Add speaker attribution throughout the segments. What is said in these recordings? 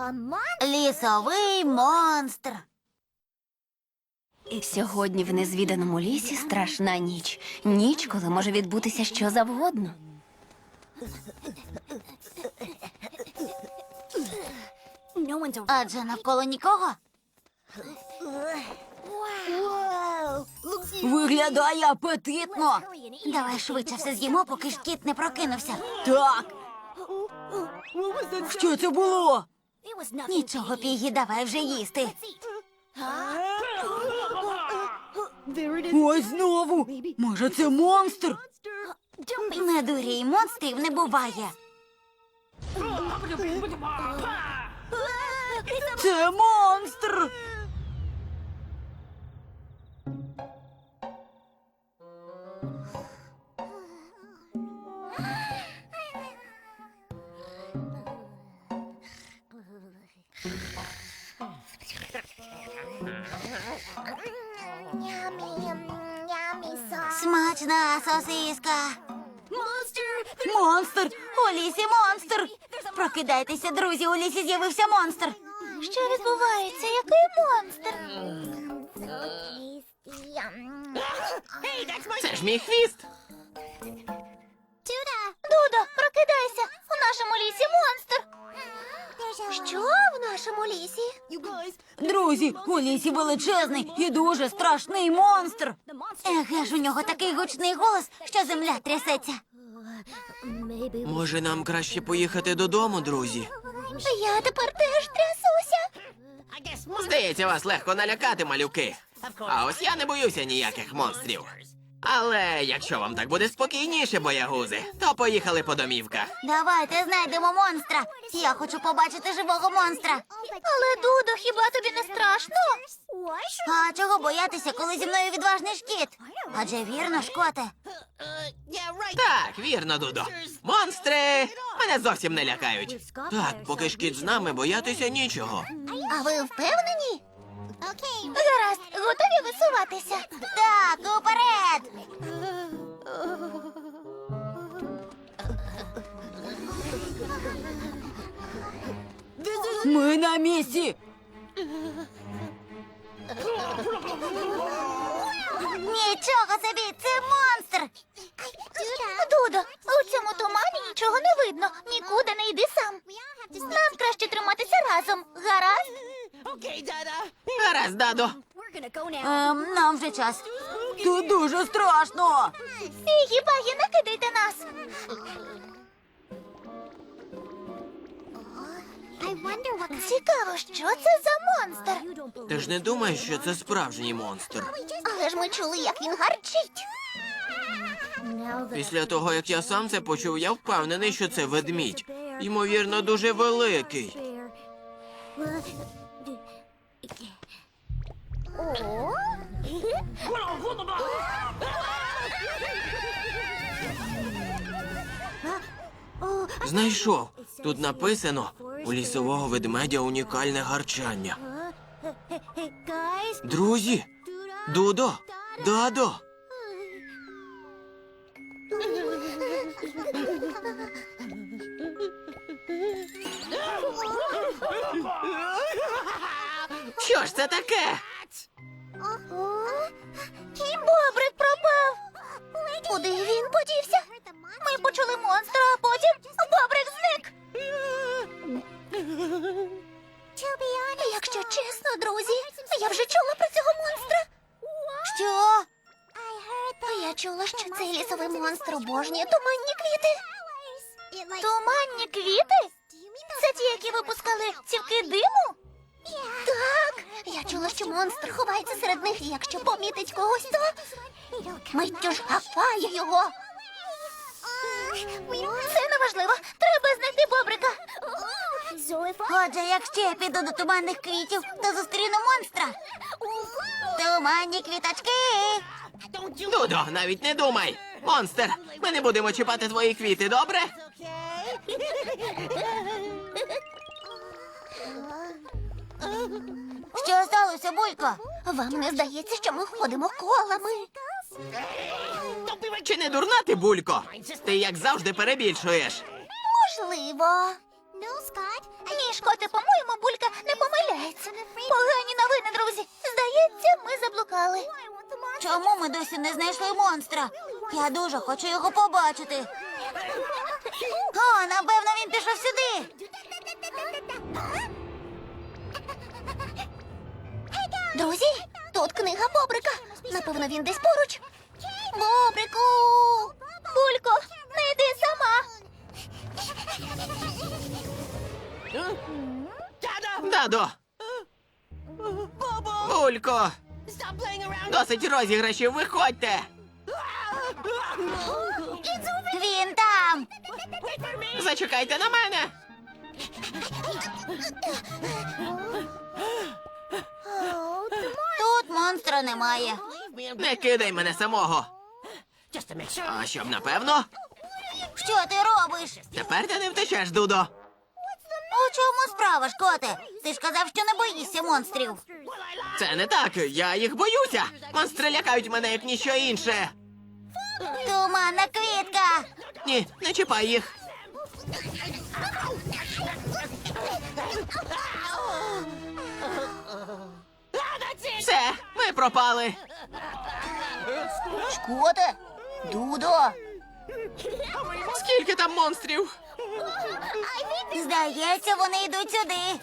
Speaker 1: Лісовий монстр.
Speaker 2: Сьогодні в незвіданому лісі страшна ніч. Ніч, коли може відбутися що завгодно.
Speaker 1: Адже навколо нікого.
Speaker 3: Виглядає апетитно.
Speaker 1: Давай швидше все з'їмо, поки ж кіт не прокинувся.
Speaker 3: Так. Що це було?
Speaker 1: Нічого, Пігі, давай вже їсти.
Speaker 3: Ось знову. Може, це монстр?
Speaker 1: Не дурій, монстрів не буває.
Speaker 3: Це монстр.
Speaker 1: Смачна сосиска.
Speaker 3: Монстр.
Speaker 1: У лісі монстр. Прокидайтеся, друзі, у лісі з'явився монстр. Що відбувається? Який монстр?
Speaker 4: Це ж мій хвіст.
Speaker 1: Дудо, прокидайся! У нашому лісі монстр! Що в нашому лісі?
Speaker 3: Друзі, у лісі величезний і дуже страшний монстр.
Speaker 1: Еге ж, у нього такий гучний голос, що земля трясеться.
Speaker 4: Може, нам краще поїхати додому, друзі?
Speaker 1: Я тепер теж трясуся.
Speaker 4: Здається, вас легко налякати, малюки. А ось я не боюся ніяких монстрів. Але якщо вам так буде спокійніше, боягузи, то поїхали по домівках.
Speaker 1: Давайте знайдемо монстра. Я хочу побачити живого монстра. Але, Дудо, хіба тобі не страшно? А чого боятися, коли зі мною відважний шкіт? Адже вірно, шкоте.
Speaker 4: Так, вірно, Дудо. Монстри мене зовсім не лякають. Так, поки шкіт з нами, боятися нічого.
Speaker 1: А ви впевнені? Гаразд, готові висуватися? Так, уперед!
Speaker 3: Ми на місці.
Speaker 1: Нічого собі, це монстр! Дудо, у цьому тумані нічого не видно. Нікуди не йди сам. Нам краще триматися разом. Гаразд?
Speaker 4: Гаразд, Дадо.
Speaker 1: Нам вже час.
Speaker 3: Тут дуже страшно.
Speaker 1: Пігі-багі, не кидайте нас. Цікаво, що це за монстр?
Speaker 4: Ти ж не думаєш, що це справжній монстр?
Speaker 1: Але ж ми чули, як він гарчить.
Speaker 4: Після того, як я сам це почув, я впевнений, що це ведмідь. Ймовірно, дуже великий. Знайшов. Тут написано: у лісового ведмедя унікальне гарчання. Друзі! Дудо! Дадо! Що ж це таке?
Speaker 1: Бобрик пропав. Куди він подівся? Ми почули монстра, а потім бобрик зник. Якщо чесно, друзі, я вже чула про цього монстра. Що? Я чула, що цей лісовий монстр обожнює туманні квіти. Туманні квіти? Це ті, які випускали цівки диму? Так, я чула, що монстр ховається серед них, і якщо помітить когось, то миттю ж хапає його. Це неважливо. Треба знайти бобрика. Отже, якщо я піду до туманних квітів, то зустріну монстра. Туманні квіточки.
Speaker 4: Дудо, навіть не думай! Монстр! Ми не будемо чіпати твої квіти, добре?
Speaker 1: Що сталося, Булько? Вам не здається, що ми ходимо колами?
Speaker 4: Чи не дурна ти, Булько? Ти, як завжди, перебільшуєш.
Speaker 1: Можливо. Ні, Шкоте, по-моєму, Булька не помиляється. Погані новини, друзі. Здається, ми заблукали.
Speaker 3: Чому ми досі не знайшли монстра? Я дуже хочу його побачити. О, напевно, він пішов сюди.
Speaker 1: Друзі, тут книга Бобрика. Напевно, він десь поруч. Бобрику! Булько, не йди сама.
Speaker 4: Дадо! Булько! Досить розіграшів, виходьте!
Speaker 3: Він там.
Speaker 4: Зачекайте на мене!
Speaker 3: Тут монстра немає.
Speaker 4: Не кидай мене самого! А щоб напевно,
Speaker 3: Що ти робиш?
Speaker 4: тепер ти не втечеш, Дудо!
Speaker 3: У чому справа, Шкоте? Ти ж казав, що не боїшся монстрів.
Speaker 4: Це не так, я їх боюся! Монстри лякають мене, як ніщо інше!
Speaker 3: Туманна квітка.
Speaker 4: Ні, не чіпай їх! Все, ми пропали!
Speaker 1: Шкоте, Дудо.
Speaker 4: Скільки там монстрів?
Speaker 3: Здається, вони йдуть сюди.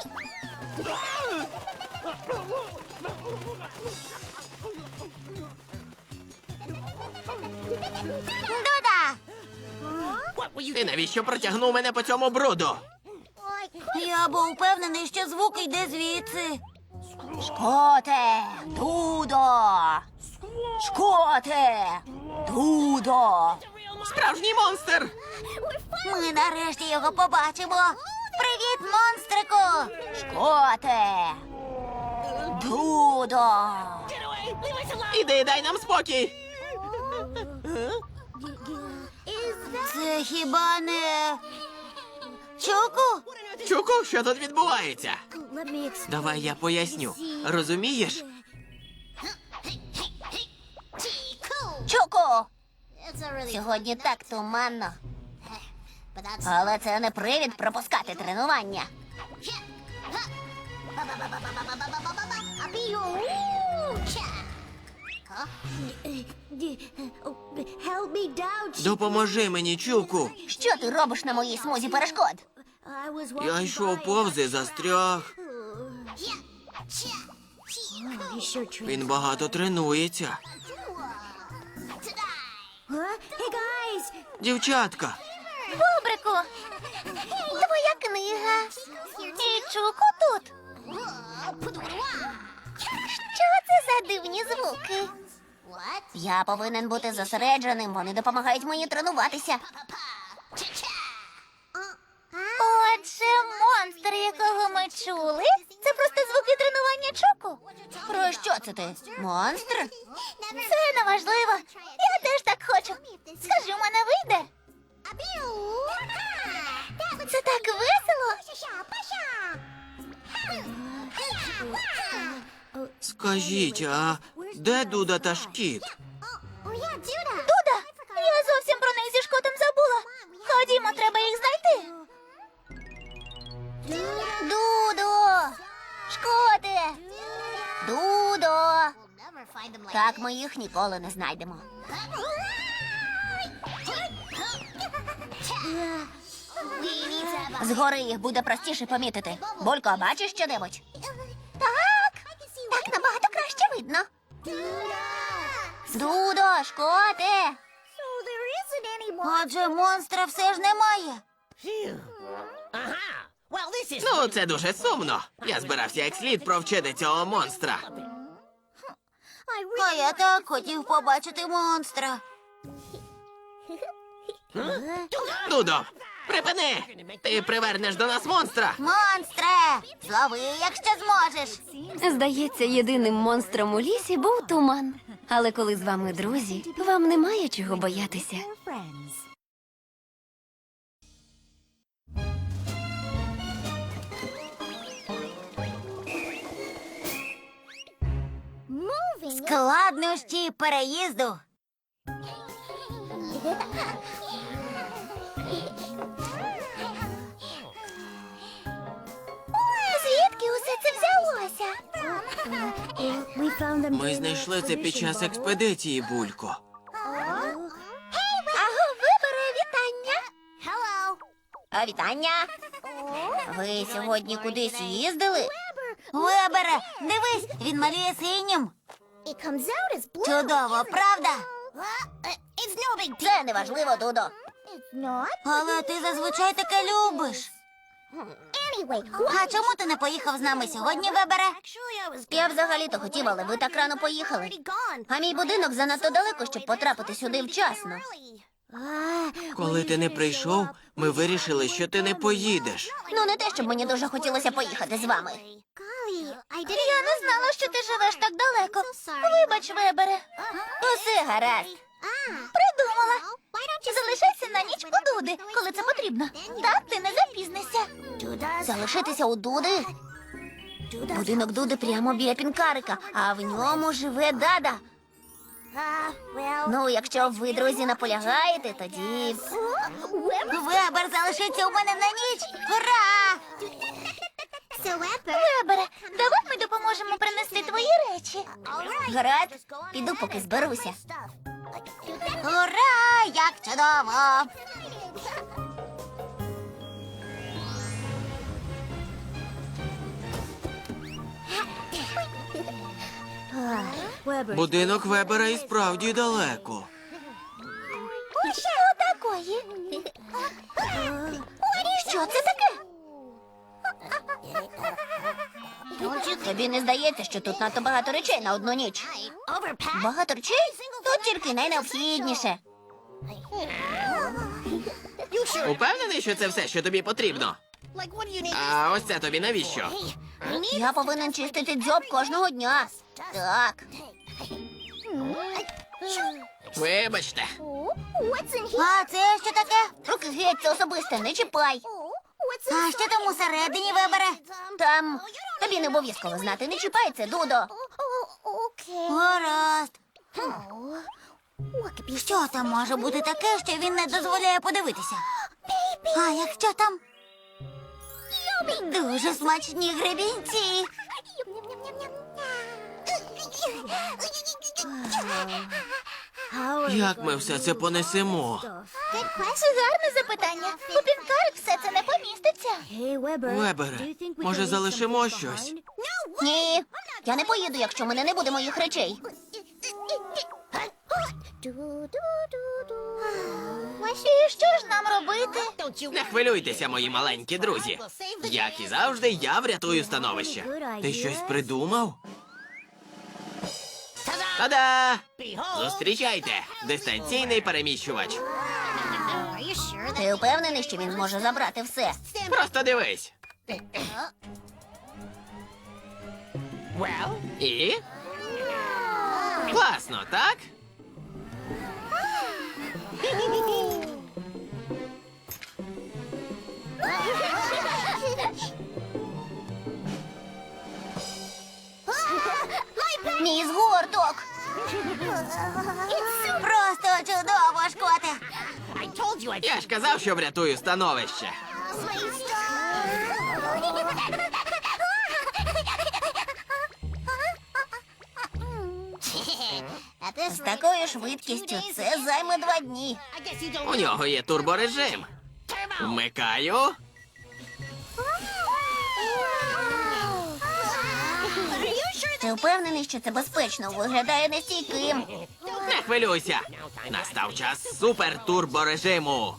Speaker 3: Дуда!
Speaker 4: Ти навіщо протягнув мене по цьому бруду?
Speaker 3: Я був впевнений, що звук йде звідси.
Speaker 1: Шкоте, Дудо. Шкоте, Дудо.
Speaker 4: Справжній монстр!
Speaker 3: Ми нарешті його побачимо. Привіт, монстрику!
Speaker 1: Шкоте, Дудо.
Speaker 4: Іди, дай нам спокій!
Speaker 3: Це хіба не Чуку?
Speaker 4: Чуку, що тут відбувається? Давай я поясню. Розумієш?
Speaker 1: Чуку. Сьогодні так туманно. Але це не привід пропускати тренування.
Speaker 4: Допоможи мені, Чуку.
Speaker 1: Що ти робиш на моїй смузі перешкод?
Speaker 4: Я йшов повз і застряг. Він багато тренується. Дівчатка,
Speaker 1: Бобрику, твоя книга. І Чуку тут. Що це за дивні звуки? Я повинен бути зосередженим, вони допомагають мені тренуватися. Отже, монстр, якого ми чули, це просто звуки тренування Чуку. Про що це ти? Монстр? Це неважливо. Я теж так хочу. Скажи, у мене вийде? Це так весело.
Speaker 4: скажіть, а де Дуда та Шкіт?
Speaker 1: Дуда, я зовсім про них зі Шкотом забула. Ходімо, треба їх знайти. Дудо! Шкоте! Дудо! Так ми їх ніколи не знайдемо. Згори їх буде простіше помітити. Булько, бачиш що-небудь? Так набагато краще видно. Дудо, Шкоте!
Speaker 3: Отже, монстра все ж немає.
Speaker 4: Ну, це дуже сумно. Я збирався як слід провчити цього монстра.
Speaker 3: А я так хотів побачити монстра.
Speaker 4: Дудо, припини! Ти привернеш до нас монстра!
Speaker 3: Монстре! Злови, якщо зможеш.
Speaker 2: Здається, єдиним монстром у лісі був туман. Але коли з вами друзі, вам немає чого боятися.
Speaker 3: Складнощі переїзду.
Speaker 1: це взялося?
Speaker 4: Ми знайшли це під час експедиції, Булько.
Speaker 1: Аго, вибере, вітання. А вітання? Ви сьогодні кудись їздили?
Speaker 3: Вебере, дивись, він малює синім. Чудово, правда?
Speaker 1: Це неважливо, Дудо.
Speaker 3: Але ти зазвичай таке любиш. А чому ти не поїхав з нами сьогодні, Вебере?
Speaker 1: Я взагалі-то хотів, але ви так рано поїхали. А мій будинок занадто далеко, щоб потрапити сюди вчасно.
Speaker 4: Коли ти не прийшов, ми вирішили, що ти не поїдеш.
Speaker 1: Ну, не те, щоб мені дуже хотілося поїхати з вами. Я не знала, що ти живеш так далеко. Вибач, Вебере. Усе гаразд. Придумала. Залишайся на ніч у Дуди, коли це потрібно. Так, ти не запізнишся. Залишитися у Дуди? Будинок Дуди прямо біля пінкарика, а в ньому живе Дада. Ну, якщо ви, друзі, наполягаєте, тоді...
Speaker 3: Вебер залишиться у мене на ніч. Ура!
Speaker 1: Вебере, давай ми допоможемо принести твої речі. Гаразд, піду, поки зберуся.
Speaker 3: Ура! Як чудово!
Speaker 4: Будинок Вебера і справді далеко.
Speaker 1: Що такої? Що це таке? Тобі не здається, що тут надто багато речей на одну ніч? Багато речей? Тут тільки найнеобхідніше.
Speaker 4: Упевнений, що це все, що тобі потрібно? А ось це тобі навіщо?
Speaker 1: Я повинен чистити дзьоб кожного дня. Так.
Speaker 4: Вибачте.
Speaker 3: А це що таке?
Speaker 1: Руки геть, це особисте, не чіпай.
Speaker 3: А що там усередині, Вебере?
Speaker 1: Там тобі не обов'язково знати, не чіпай це, Дудо.
Speaker 3: Гаразд. Що там може бути таке, що він не дозволяє подивитися? А якщо там дуже смачні гребінці?
Speaker 4: Як ми все це понесемо?
Speaker 1: Це гарне запитання. У пінкарик все це не поміститься.
Speaker 4: Вебере, може залишимо щось?
Speaker 1: Ні, я не поїду, якщо в мене не буде моїх речей. І що ж нам робити?
Speaker 4: Не хвилюйтеся, мої маленькі друзі. Як і завжди, я врятую становище. Ти щось придумав? Та-да! Зустрічайте! Дистанційний переміщувач.
Speaker 1: Ти впевнений, що він зможе забрати все?
Speaker 4: Просто дивись. І? Класно, так?
Speaker 1: Мій згорток.
Speaker 3: Просто чудово, Шкоте.
Speaker 4: Я ж казав, що врятую становище.
Speaker 1: З такою швидкістю це займе 2 дні.
Speaker 4: У нього є турборежим. Вмикаю.
Speaker 1: Ти впевнений, що це безпечно? Виглядає нестійким.
Speaker 4: Не хвилюйся. Настав час супер-турборежиму.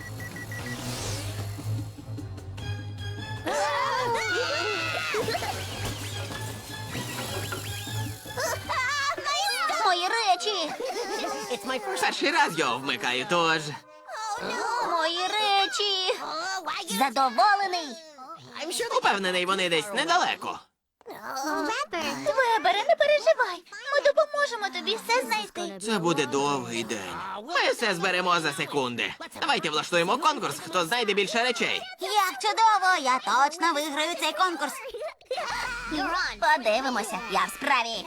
Speaker 1: Мої речі!
Speaker 4: Перший раз його вмикаю, тож.
Speaker 1: Мої речі! Задоволений!
Speaker 4: Упевнений, вони десь недалеко.
Speaker 1: Вебере, не переживай. Ми допоможемо тобі все знайти.
Speaker 4: Це буде довгий день. Ми все зберемо за секунди. Давайте влаштуємо конкурс, хто знайде більше речей.
Speaker 3: Як чудово, я точно виграю цей конкурс.
Speaker 1: Подивимося, я в справі.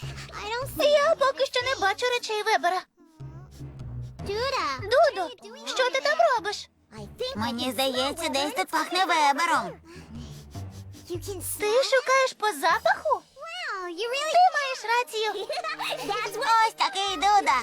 Speaker 1: Я поки що не бачу речей Вебера. Дудо, Що ти там робиш?
Speaker 3: Мені здається, десь тут пахне Вебером.
Speaker 1: Ти шукаєш по запаху? Ти маєш рацію.
Speaker 3: Ось такий Дуда.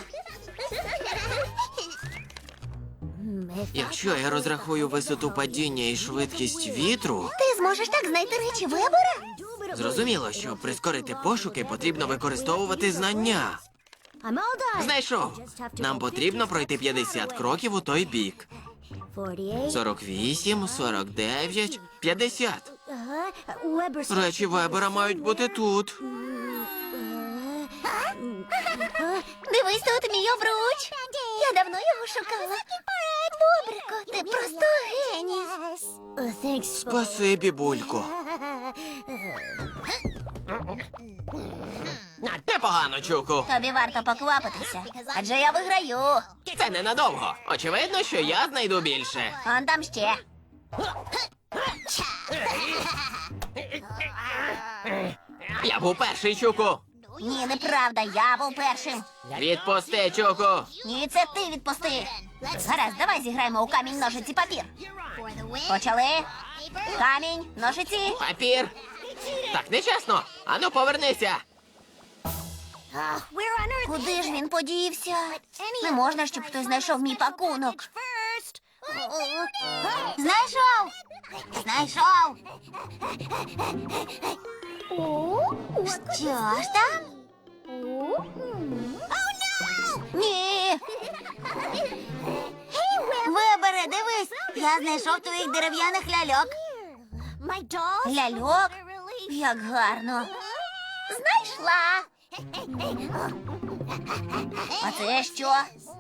Speaker 4: Якщо я розрахую висоту падіння і швидкість вітру,
Speaker 1: Ти зможеш так знайти речі Вебера?
Speaker 4: зрозуміло, щоб прискорити пошуки, потрібно використовувати знання. Знайшов. Нам потрібно пройти 50 кроків у той бік. 48, 49, 50. Речі Вебера мають бути тут.
Speaker 1: Дивись, тут мій обруч. Я давно його шукала. Бобрико, ти просто геній.
Speaker 4: Спасибі, Булько. Непогано, Чуку.
Speaker 1: Тобі варто поквапитися, адже я виграю.
Speaker 4: Це ненадовго. Очевидно, що я знайду більше.
Speaker 1: Он там ще.
Speaker 4: Я був перший, Чуку.
Speaker 1: Ні, неправда, я був першим.
Speaker 4: Відпусти, Чуку.
Speaker 1: Ні, це ти відпусти. Гаразд, давай зіграємо у камінь, ножиці, папір. Почали. Камінь, ножиці.
Speaker 4: Папір. Так нечесно. Ану, повернися.
Speaker 1: Куди ж він подівся? Не можна, щоб хтось знайшов мій пакунок.
Speaker 3: Знайшов! Знайшов! Що ж там?
Speaker 1: Ні.
Speaker 3: Вибере, дивись! Я знайшов твоїх дерев'яних ляльок.
Speaker 1: Ляльок? Як гарно. Знайшла. А це що?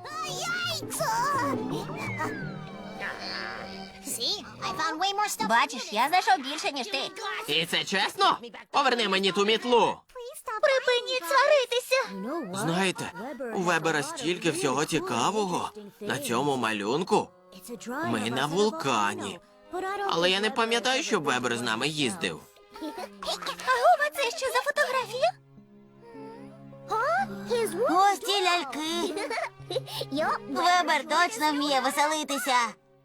Speaker 1: Бачиш, я знайшов більше, ніж ти.
Speaker 4: І це чесно? Поверни мені ту мітлу.
Speaker 1: Припиніть сваритися.
Speaker 4: Знаєте, у Вебера стільки всього цікавого. На цьому малюнку ми на вулкані. Але я не пам'ятаю, щоб Вебер з нами їздив.
Speaker 1: Агова, це що за фотографія?
Speaker 3: Ось ці ляльки. Вебер точно вміє веселитися.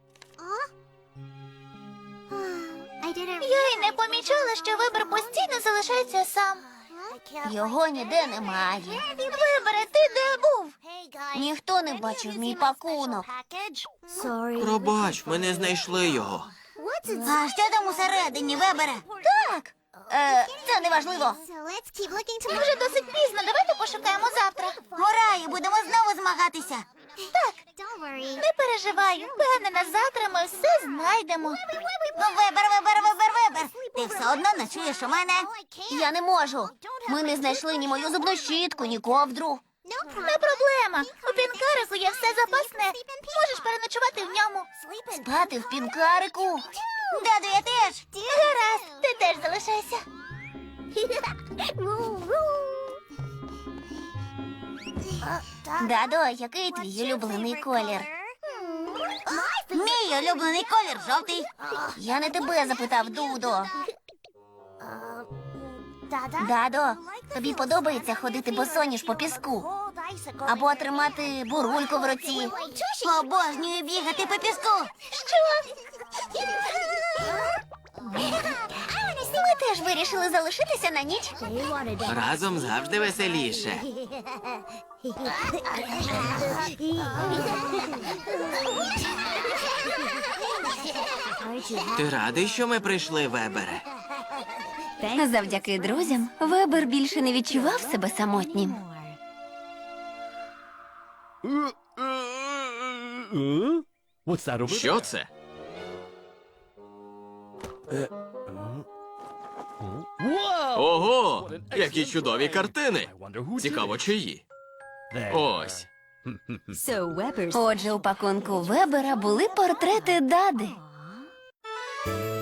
Speaker 1: Я й не помічала, що Вибер постійно залишається сам. Його ніде немає. Вибере, ти де був? Ніхто не бачив мій пакунок.
Speaker 4: Пробач, ми не знайшли його.
Speaker 3: А що там усередині, Вебере?
Speaker 1: Так. Це не важливо. Вже досить пізно, давайте пошукаємо завтра.
Speaker 3: Ура, і будемо знову змагатися.
Speaker 1: Так, не переживай, впевнена, завтра ми все знайдемо.
Speaker 3: Вебер. Ти все одно ночуєш у мене.
Speaker 1: Я не можу. Ми не знайшли ні мою зубну щітку, ні ковдру. Не проблема. У пінкарику є все запасне. Можеш переночувати в ньому. Спати в пінкарику.
Speaker 3: Даду, я теж.
Speaker 1: Гаразд, ти теж залишайся. Дадо, який твій улюблений колір?
Speaker 3: Мій улюблений колір жовтий.
Speaker 1: Я не тебе запитав, Дудо. Дадо, тобі подобається ходити босоніж по піску? Або тримати бурульку в руці?
Speaker 3: Обожнюю бігати по піску.
Speaker 1: Що? Ми теж вирішили залишитися на ніч.
Speaker 4: Разом завжди веселіше. Ти радий, що ми прийшли, Вебере?
Speaker 2: Завдяки друзям Вебер більше не відчував себе самотнім.
Speaker 4: Що це? Ого! Які чудові картини! Цікаво, чиї? Ось.
Speaker 2: Отже, у пакунку Вебера були портрети Дади.